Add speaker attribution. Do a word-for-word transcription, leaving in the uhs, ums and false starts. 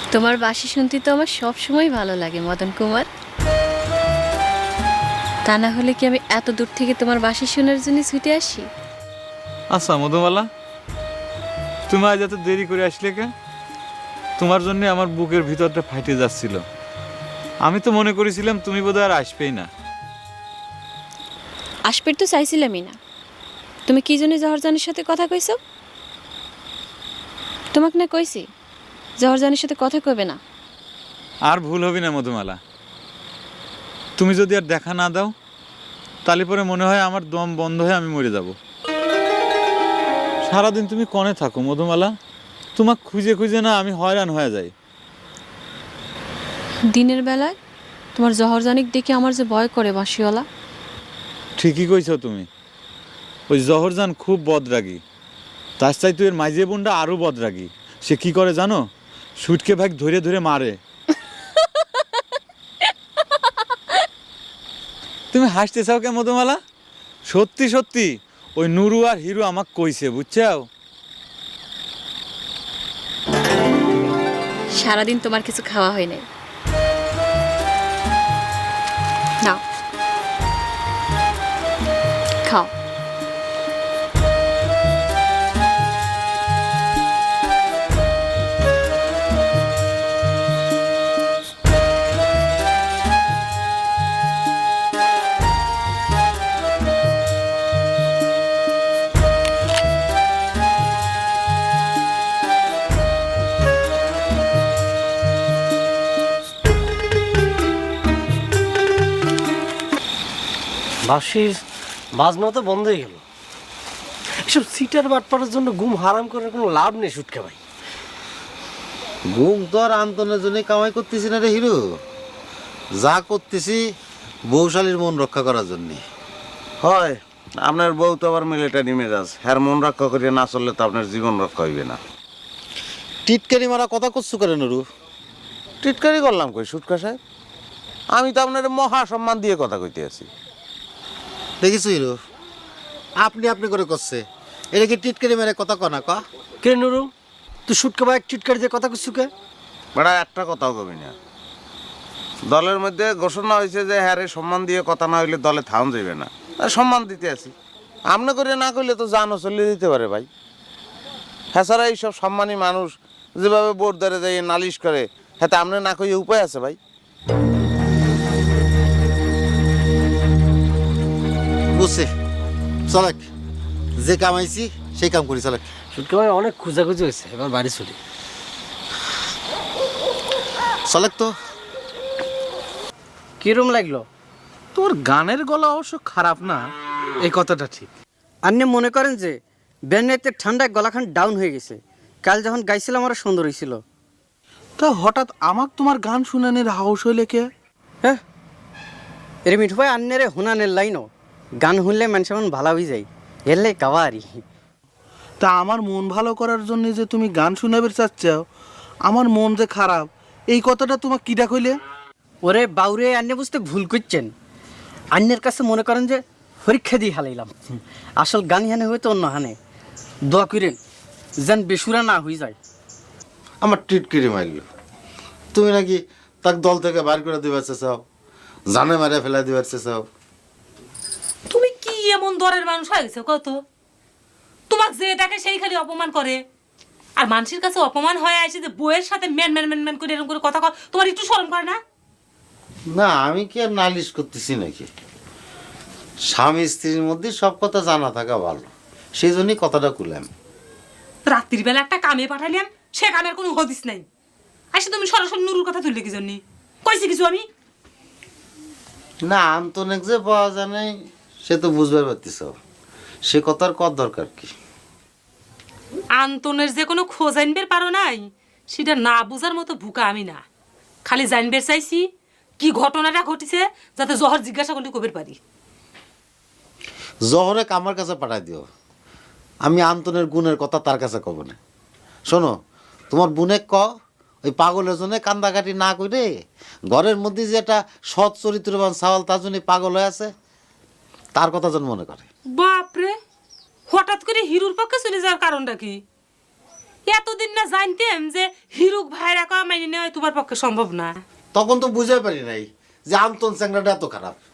Speaker 1: তোমার বাঁশি শুনতে তো আমার সব সময় ভালো লাগে মদন কুমার। তা না হলে কি আমি এত দূর থেকে তোমার বাঁশি শোনার জন্য ছুটে আসি?
Speaker 2: আচ্ছা মধুমালা, তুমি আজ এত দেরি করে আসলে কে? তোমার জন্য আমার বুকের ভিতরটা ফাটে যাচ্ছিল। আমি তো মনে করেছিলাম তুমি বোধহয় আর আসবেই না।
Speaker 1: আসবে তো চাইছিলামই না। তুমি কি জন্য জহরজানের সাথে কথা কইছো? তোমাকে না কইছি জহরজানের সাথে কথা কইবে না।
Speaker 2: আর ভুল হবে না মধুমালা, তুমি যদি আর দেখা না দাও তাহলে পরে মনে হয় আমার দম বন্ধ হয়ে আমি মরে যাব। সারাদিন তুমি কনে থাকো মধুমালা? তোমাকে খুঁজে খুঁজে না আমি হয়রান হয়ে যাই।
Speaker 1: দিনের বেলায় তোমার জহরজানিক দেখে আমার যে ভয় করে বাঁশিওয়ালা।
Speaker 2: ঠিকই কইছো তুমি, ওই জহরজান খুব বদরাগী। তার চাই তুই এর মাইজে বোনটা আরও বদরাগী। সে কি করে জানো? সুটকে ভাগ ধরে ধরে মারে। তুমি হাসতে চাও কে মধুমালা? সত্যি সত্যি ওই নুরু আর হিরু আমাকে কইছে, বুঝছাও?
Speaker 1: সারাদিন তোমার কিছু খাওয়া হয় নাই। নাও খাও।
Speaker 3: বাঁশির বাজনা তো বন্ধ হয়ে গেল। এসব সিটার বাটপাড়ার জন্য ঘুম হারাম করার কোনো লাভ নেই সুটকা ভাই।
Speaker 4: ঘুম তো আর আন্তনের জন্য কামাই করতেছি না রে হিরো, যা করতেছি বৌশালীর মন রক্ষা করার জন্যে।
Speaker 5: হয় আপনার বউ তো আবার মিলিটারি মেজাজ, হ্যার মন রক্ষা করিয়া না চললে তো আপনার জীবন রক্ষা হইবে না।
Speaker 4: টিটকারি মারা কথা করছু করে নুরু?
Speaker 5: টিটকারি করলাম কই সুটকা সাহেব? আমি তো আপনার মহা সম্মান দিয়ে কথা কইতে আছি।
Speaker 4: দেখিস হিরো, আপনি আপনি করে করছে, এটা কি টিটকারি মেরে কথা কনা ক?
Speaker 3: কে নুরু, তুই সুটকা ভাই চিটকারি দিয়ে কথা কিছু কে?
Speaker 5: বেড়া একটা কথাও কবি না। দলের মধ্যে ঘোষণা হয়েছে যে হ্যারে সম্মান দিয়ে কথা না হইলে দলে থাউন যাইবে না, আর সম্মান দিতে আছি। আপনি করে না করলে তো জানও চলে দিতে পারে ভাই। হ্যাঁ ছাড়া এইসব সম্মানী মানুষ যেভাবে বোর্ড ধরে যাই নালিশ করে, হ্যাঁ আপনি না কইয়ে উপায় আছে ভাই?
Speaker 4: বুঝছি, চলেক, যে কামাইছি সেই কাম করি, চলেক।
Speaker 3: সুটকা ভাই অনেক খোঁজাখুঁজি হয়েছে, এবার বাড়ি চলি।
Speaker 4: চলেক তো।
Speaker 3: কিরম লাগলো?
Speaker 6: তোর গানের গলা অবশ্য খারাপ না, এই কথাটা ঠিক।
Speaker 7: আপনি মনে করেন যে ব্যান্ডেতে ঠান্ডায় গলাখান ডাউন হয়ে গেছে? কাল যখন গাইছিলাম আরো সুন্দর হয়েছিল।
Speaker 6: তা হঠাৎ আমাক তোমার গান শুনানির হাউস হইলে কে?
Speaker 7: হ্যাঁ, এর মিঠু ভাই আন্নের হুনানের লাইনও গান শুনলে মানুষ এমন ভালো হয়ে যায়, এলে কাবারি।
Speaker 6: তা আমার মন ভালো করার জন্য যে তুমি গান শুনাবে চাচ্ছাও, আমার মন যে খারাপ, এই কথাটা তোমার কিডা কইলে?
Speaker 7: ওরে বাউরে, আন্নে বুঝতে ভুল করছেন। আন্নের কাছে মনে করেন যে পরীক্ষা দিয়ে হালাইলাম, আসল গান হানে হয়তো অন্য হানে। দোয়া করেন যেন বেসুরা না হয়ে যায়।
Speaker 4: আমার টিটকিরি মারল, তুমি নাকি তাক দল থেকে বার করে দিবার চাও, জানে মারে ফেলা দিবার চাও।
Speaker 8: তুমি কি এমন দরের মানুষ হয়ে গেছো কত? তোমাক যে ডাকে সেই খালি অপমান করে, আর মানুষের কাছে অপমান হয়ে আসে যে বউয়ের সাথে ম্যান ম্যান ম্যান ম্যান করে এরকম করে কথা কয়, তোমার একটু শরম করে না?
Speaker 4: না, আমি কি আর নালিশ করতেছি নাকি? স্বামী স্ত্রীর মধ্যে সব কথা জানা থাকা ভালো, সেই জন্যই কথাটা কুলাম।
Speaker 8: রাত্রির বেলা একটা কামে পাঠাইলাম, সে কামের কোনো হদিস নাই। আসে তুমি সরাসরি নুরুর কথা তুললে কি জন্য? কইছি কিছু আমি?
Speaker 4: না, আন্তনেক যে পাওয়া যায় নাই সে তো বুঝবার পারতিস, সে কথার কত দরকার কি?
Speaker 8: আন্তনের যে কোনো খোঁজ আনবের পারো নাই, সেটা না বুঝার মতো ভুকা আমি না। খালি জানবের চাইছি কি ঘটনাটা ঘটিছে, যাতে জহর জিজ্ঞাসা করলে কবের পারি।
Speaker 4: জহরে আমার কাছে পাঠাই দিও, আমি আন্তনের গুণের কথা তার কাছে কব না। শোনো, তোমার বুনে ক ওই পাগলের জন্য কান্দাকাটি না করে ঘরের মধ্যে যে একটা সৎ চরিত্রবান সাওয়াল তার জন্য পাগল হয়ে আছে, তার কথা যেন মনে করে।
Speaker 8: বাপরে, হঠাৎ করে হিরুর পক্ষে চলে যাওয়ার কারণটা কি? এতদিন না জানতাম যে হিরুক ভাইরা কা মাইনে নেওয়া তোমার পক্ষে সম্ভব না।
Speaker 4: তখন তো বুঝতে পারি নাই যে আন্তন চ্যাংরাটা এত খারাপ।